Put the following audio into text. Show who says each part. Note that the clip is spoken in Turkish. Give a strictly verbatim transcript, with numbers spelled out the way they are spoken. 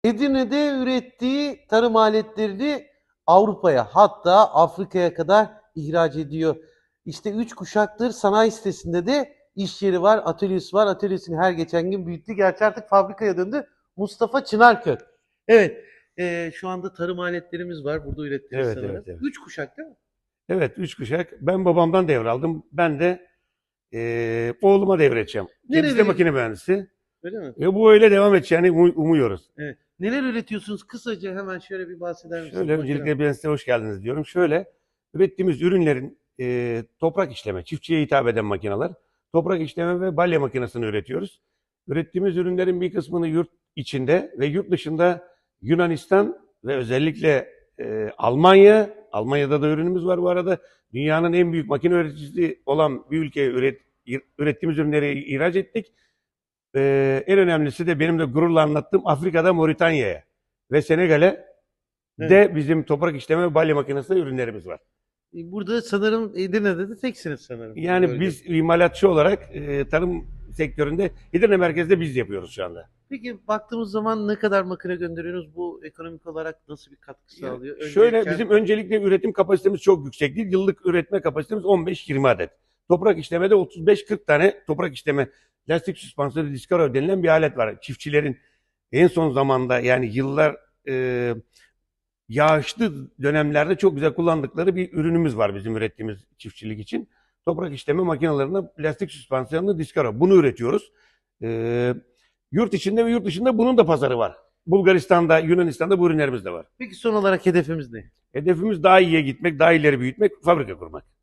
Speaker 1: Edirne'de ürettiği tarım aletlerini Avrupa'ya, hatta Afrika'ya kadar ihraç ediyor. İşte üç kuşaktır sanayi sitesinde de iş yeri var, atölyesi var. Atölyesini her geçen gün büyüttü. Gerçi artık fabrikaya döndü. Mustafa Çınarkök. Evet, eee, şu anda tarım aletlerimiz var. Burada ürettiniz
Speaker 2: Evet,
Speaker 1: sanırım.
Speaker 2: evet, evet.
Speaker 1: Üç kuşak değil mi?
Speaker 2: Evet, üç kuşak. Ben babamdan devraldım. Ben de eee, oğluma devredeceğim. Kendisi de
Speaker 1: Nereleri,
Speaker 2: makine mühendisi.
Speaker 1: öyle mi?
Speaker 2: Ve bu öyle devam edeceğini umu- umuyoruz.
Speaker 1: Evet. Neler üretiyorsunuz? Kısaca hemen şöyle bir bahseder misiniz
Speaker 2: Şöyle
Speaker 1: makine?
Speaker 2: öncelikle ben size hoş geldiniz diyorum. Şöyle ürettiğimiz ürünlerin eee, toprak işleme, çiftçiye hitap eden makineler, toprak işleme ve balya makinesini üretiyoruz. Ürettiğimiz ürünlerin bir kısmını yurt içinde ve yurt dışında Yunanistan ve özellikle eee, Almanya, Almanya'da da ürünümüz var bu arada. Dünyanın en büyük makine üreticisi olan bir ülkeye üret, ürettiğimiz ürünleri ihraç ettik. Eee, en önemlisi de benim de gururla anlattığım Afrika'da Moritanya'ya ve Senegal'e
Speaker 1: Evet.
Speaker 2: de bizim toprak işleme ve balya makinesi ürünlerimiz var.
Speaker 1: E, Burada sanırım Edirne'de de teksiniz sanırım bu
Speaker 2: Yani
Speaker 1: bölgede.
Speaker 2: biz imalatçı olarak e, tarım sektöründe Edirne merkezde biz yapıyoruz şu anda.
Speaker 1: Peki baktığımız zaman ne kadar makine gönderiyorsunuz? Bu ekonomik olarak nasıl bir katkı
Speaker 2: Ya,
Speaker 1: sağlıyor?
Speaker 2: şöyle
Speaker 1: Öncelikle
Speaker 2: bizim öncelikle üretim kapasitemiz çok yüksek değil. Yıllık üretme kapasitemiz on beş yirmi adet. Toprak işlemede otuz beş kırk tane toprak işleme lastik süspansiyonu Discaro denilen bir alet var. Çiftçilerin en son zamanda yani yıllar e, yağışlı dönemlerde çok güzel kullandıkları bir ürünümüz var bizim ürettiğimiz çiftçilik için. Toprak işleme makinelerinde plastik süspansiyonlu Discaro. Bunu üretiyoruz. Ee, yurt içinde ve yurt dışında bunun da pazarı var. Bulgaristan'da, Yunanistan'da bu ürünlerimiz de var.
Speaker 1: peki son olarak hedefimiz ne?
Speaker 2: Hedefimiz daha iyiye gitmek, daha ileri büyütmek, fabrika kurmak.